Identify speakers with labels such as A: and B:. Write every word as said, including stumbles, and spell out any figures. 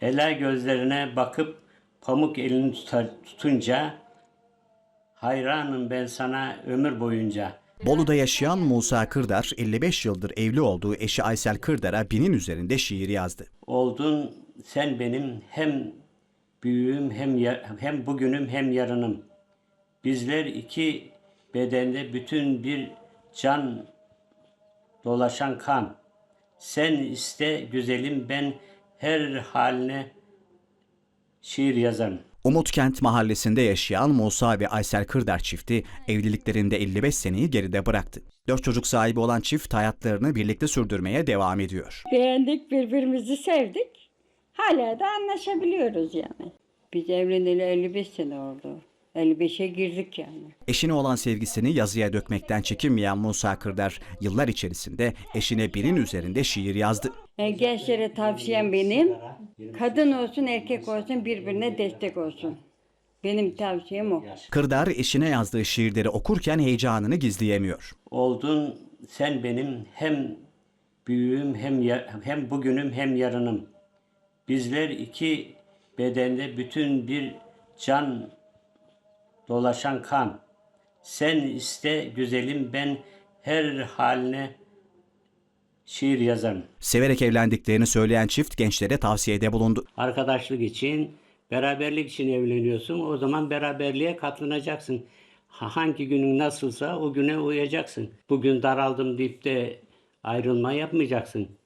A: Ela gözlerine bakıp pamuk elini tutar, tutunca hayranım ben sana ömür boyunca.
B: Bolu'da yaşayan Musa Kırdar, elli beş yıldır evli olduğu eşi Aysel Kırdar'a binin üzerinde şiir yazdı.
A: Oldun sen benim hem büyüğüm hem ya- hem bugünüm hem yarınım. Bizler iki bedende bütün bir can dolaşan kan. Sen iste güzelim ben her haline şiir yazarım.
B: Umutkent mahallesinde yaşayan Musa ve Aysel Kırdar çifti evliliklerinde elli beş seneyi geride bıraktı. Dört çocuk sahibi olan çift hayatlarını birlikte sürdürmeye devam ediyor.
C: Beğendik, birbirimizi sevdik. Hala da anlaşabiliyoruz yani. Biz evleneli elli beş sene oldu. elli beşe girdik yani.
B: Eşine olan sevgisini yazıya dökmekten çekinmeyen Musa Kırdar, yıllar içerisinde eşine binin üzerinde şiir yazdı.
C: Yani gençlere tavsiyem benim, kadın olsun erkek olsun birbirine destek olsun. Benim tavsiyem o.
B: Kırdar eşine yazdığı şiirleri okurken heyecanını gizleyemiyor.
A: Oldun sen benim hem büyüğüm hem ya- hem bugünüm hem yarınım. Bizler iki bedende bütün bir can dolaşan kan. Sen iste güzelim ben her haline şiir yazarım.
B: Severek evlendiklerini söyleyen çift gençlere tavsiyede bulundu.
A: Arkadaşlık için, beraberlik için evleniyorsun. O zaman beraberliğe katlanacaksın. Ha- Hangi günün nasılsa o güne uyacaksın. Bugün daraldım deyip de ayrılma yapmayacaksın.